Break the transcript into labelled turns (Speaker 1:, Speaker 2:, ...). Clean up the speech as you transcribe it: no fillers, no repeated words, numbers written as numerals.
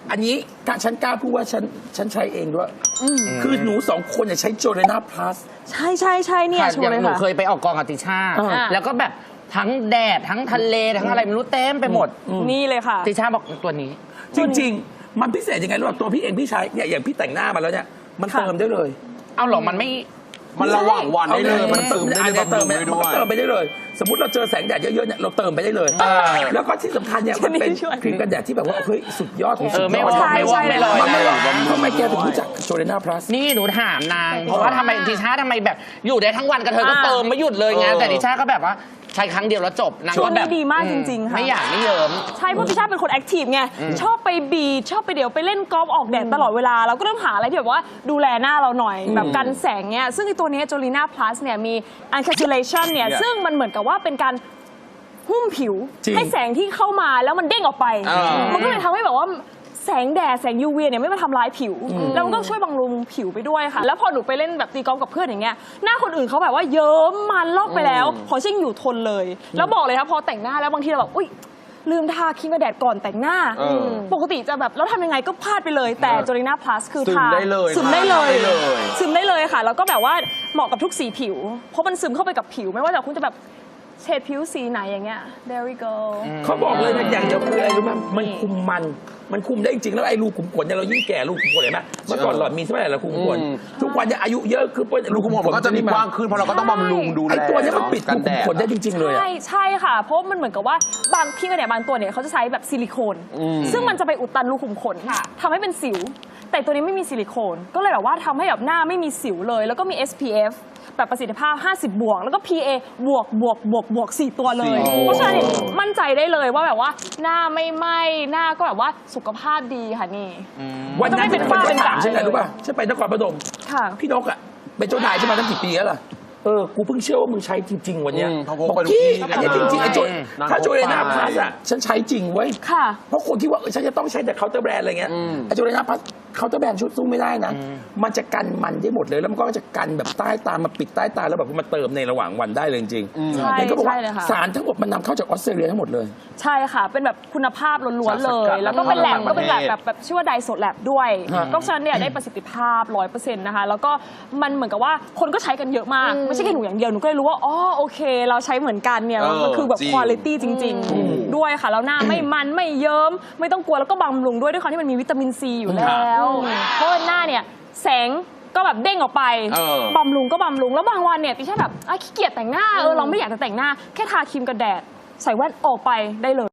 Speaker 1: อันนี้ฉันกล้าพูดว่าฉันใช้เองด้วยคือหนู2 คนเนี่ยใช้โจเลน่าพลัส
Speaker 2: ใช่เนี่ยชัวร์เลยค่ะ
Speaker 3: หนูเคยไปออกกองกับติช่าแล้วก็แบบทั้งแดดทั้งทะเลทั้งอะไรไม่รู้เต็มไปหมด
Speaker 2: นี่เลยค่ะ
Speaker 3: ติช่าบอกตัวนี้
Speaker 1: จริงๆมันพิเศษยังไงรู้ป่ะตัวพี่เองพี่ใช้เนี่ยอย่างพี่แต่งหน้ามาแล้วเนี่ยมันเติมได้เลย
Speaker 3: เอาหรอ
Speaker 4: มันระหว่างวันได้เลยมันเติมได้เลยบำรุงได้ด้วย
Speaker 1: เติมไปได้เลยสมมติเราเจอแสงแดดเยอะๆเนี่ยเราเติมไปได้เลยแล้วก็ที่สำคัญเนี่ยมันเป็นครีมกันแดดที่แบบว่าเฮ้ยสุดยอดของสุดยอด
Speaker 3: ไม่ลอย
Speaker 1: ทำไมแกถึงรู้จักโจเลน่าพลัส
Speaker 3: นี่หนูถามนางเพราะว่าทำไมติช่าทำไมแบบอยู่ได้ทั้งวันกับเธอก็เติมไม่หยุดเลยไงแต่ติช่าก็แบบว่าใช้ครั้งเดียวแล้วจบนางก็แบบ
Speaker 2: ดีมากจริงๆค่ะ
Speaker 3: ไม่อยากไม่เยิ้ม
Speaker 2: ใช่เพราะติช่าเป็นคนแอคทีฟไงชอบไปบีชชอบไปเดี๋ยวไปเล่นกอล์ฟออกแดดตลอดเวลาเราก็ต้องหาอะไรที่แบบว่าดูแลหน้าเราหน่อยแบบกันแสงเนี่ยซึ่งไอตัวนี้โจลีน่าพลัสเนี่ยมี encapsulation เนี่ยซึ่งมันเหมือนกับว่าเป็นการหุ้มผิวให้แสงที่เข้ามาแล้วมันเด้งออกไปมันก็เลยทำให้แบบว่าแสงแดดแสง UV เนี่ยไม่มาทำร้ายผิวแล้วมันก็ช่วยบำรุงผิวไปด้วยค่ะแล้วพอหนูไปเล่นแบบตีกอล์ฟกับเพื่อนอย่างเงี้ยหน้าคนอื่นเขาแบบว่าเยิ้มมันลอกไปแล้วพอชิ่งอยู่ทนเลยแล้วบอกเลยครับพอแต่งหน้าแล้วบางทีเราแบบอุ้ยลืมทาครีมกันแดดก่อนแต่งหน้าปกติจะแบบแล้วทำยังไงก็พลาดไปเลยแต่โจลีน่าพลัสคือทาซึมได้เลยค่ะแล้วก็แบบว่าเหมาะกับทุกสีผิวเพราะมันซึมเข้าไปกับผิวไม่ว่าแต่คุณจะแบบเฉดผิวสีไหนอย่างเงี้ย there we go
Speaker 1: เขาบอกเลยนะอย่างเดียวคืออะไรรู้ไหมมันคุมได้จริงๆแล้วไอ้รูขุมขนเนี่ยเรายิ่งแก่รูขุมขนเห็นไหมเมื่อก่อนหลอดมีใช่ไหมรูขุมขนทุกวันเนี่ยอายุเยอะคือ
Speaker 4: รูขุมขนมันก็จะมีกว้างขึ้นเพราะเราก็ต้องบำรุงดูแล
Speaker 1: ไอ้ตัวนี้มันปิดรูขุมขนได้จริงๆเลย
Speaker 2: ใช่ค่ะเพราะมันเหมือนกับว่าบางพี่กันเนี่ยบางตัวเนี่ยเขาจะใช้แบบซิลิโคนซึ่งมันจะไปอุดตันรูขุมขนทำให้เป็นสิวแต่ตัวนี้ไม่มีซิลิโคนก็เลยแบบว่าทำให้แบบหน้าไม่มีสิวเลยแล้วก็มี SPF แบบประสิทธิภาพ50 บวกแล้วก็ PA บวก4 ตัวเลยเพราะฉะนั้นมั่นใจได้เลยว่าแบบว่าหน้าไม่ไหม้หน้าก็แบบว่าสุขภาพดีค่ะนี่
Speaker 1: วันนั้นเป็นฝ้าเป็นด่างใช่ไหมรู้ป่ะฉันไปนครปฐมพี่นกอ่ะเป็นเจ้านายใช่ไหมตั้งกี่ปีแล้วล่ะกูเพิ่งเชื่อว่ามึงใช้จริงๆวันนี้พี่อันนี้จริงๆไอ้ถ้าโจเลน่าพลัสอ่ะฉันใช้จริงเว้ยเพราะคนคิดว่าฉันจะต้องใช้แต่เคาน์เตอร์แบรนด์อะไรเงี้ยไอ้โจเลน่าพลัสเคาน์เตอร์แบรนด์ชุดสู้ไม่ได้นะมันจะกันมันได้หมดเลยแล้วมันก็จะกันแบบใต้ตามาปิดใต้ตาแล้วแบบมาเติมในระหว่างวันได้เลยจริงๆ
Speaker 2: ใช่
Speaker 1: ก็บอกว่าสารทั้งหมดมันนำเข้าจากออสเตรเลียทั้งหมดเลย
Speaker 2: ใช่ค่ะเป็นแบบคุณภาพล้วนๆเลยแล้วก็เป็นแลบก็เป็นแบบชื่อว่าไดโซแลบด้วยก็ฉะนั้นเนี่ยได้ประสิทธิภาพ 100% นะคะแล้วก็มันเหมือนกับว่าคนก็ใช้กันเยอะมากไม่ใช่แค่หนูอย่างเดียวหนูก็เลยรู้ว่าอ๋อโอเคเราใช้เหมือนกันเนี่ยมันคือแบบคุณภาพจริงๆด้วยค่ะแล้วหน้าไม่มันไม่เยิ้มไม่ต้องกลัวแล้วก็บำรุงด้วยความที่มันมีวิตามินซีอยู่แล้วเพราะหน้าเนี่ยแสงก็แบบเด้งออกไปบำรุงก็บำรุงแล้วบางวันเนี่ยติช่าแบบขี้เกียจแต่งหน้าเราไม่อยากจะแต่งหน้าแค่ทาครีมกันแดดใส่แว่นออกไปได้เลย